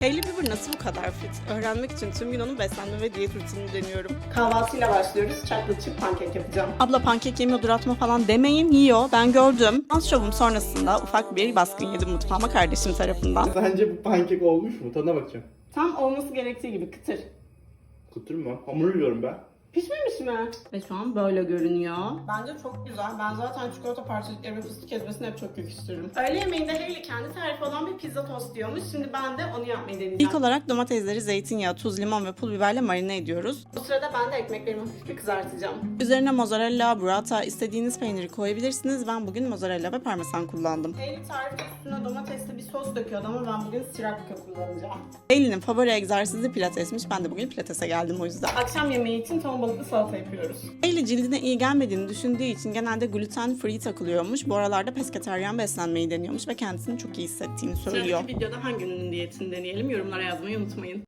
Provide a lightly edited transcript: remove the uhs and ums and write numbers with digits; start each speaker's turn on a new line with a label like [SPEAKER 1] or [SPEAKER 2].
[SPEAKER 1] Hailey Bieber nasıl bu kadar fit? Öğrenmek için tüm gün onun beslenme ve diyet rutinini deniyorum. Kahvaltıyla başlıyoruz. Chocolate chip pankek yapacağım. Abla pankek yemiyordur atma falan demeyin, yiyor. Ben gördüm. Dans şovum sonrasında ufak bir baskın yedim mutfağıma kardeşim tarafından.
[SPEAKER 2] Sence bu pankek olmuş mu? Tadına bakacağım.
[SPEAKER 1] Tam olması gerektiği gibi kıtır.
[SPEAKER 2] Kıtır mı? Hamur yiyorum ben.
[SPEAKER 1] Pişmemiş mi? Ve şu an böyle görünüyor. Bence çok güzel. Ben zaten çikolata parçacıkları ve fıstık ezmesini hep çok yakıştırırım. Öğle yemeğinde Hailey kendi tarifi olan bir pizza tost diyormuş. Şimdi ben de onu yapmayı deneyeceğim. İlk olarak domatesleri zeytinyağı, tuz, limon ve pul biberle marine ediyoruz. Bu sırada ben de ekmeklerimi hafifçe kızartacağım. Üzerine mozzarella, burrata, istediğiniz peyniri koyabilirsiniz. Ben bugün mozzarella ve parmesan kullandım. Hailey tarifte üstüne domatesli bir sos döküyordu ama ben bugün sriracha kullanacağım. Hailey'nin favori egzersizi pilatesmiş. Ben de bugün pilatese geldim o yüzden. Akşam yemeği için ton balıklı salata yapıyoruz. Hailey cildine iyi gelmediğini düşündüğü için genelde gluten free takılıyormuş. Bu aralarda pesketeryan beslenmeyi deniyormuş ve kendisini çok iyi hissettiğini söylüyor. Sıradaki videoda hangi ünlünün diyetini deneyelim? Yorumlara yazmayı unutmayın.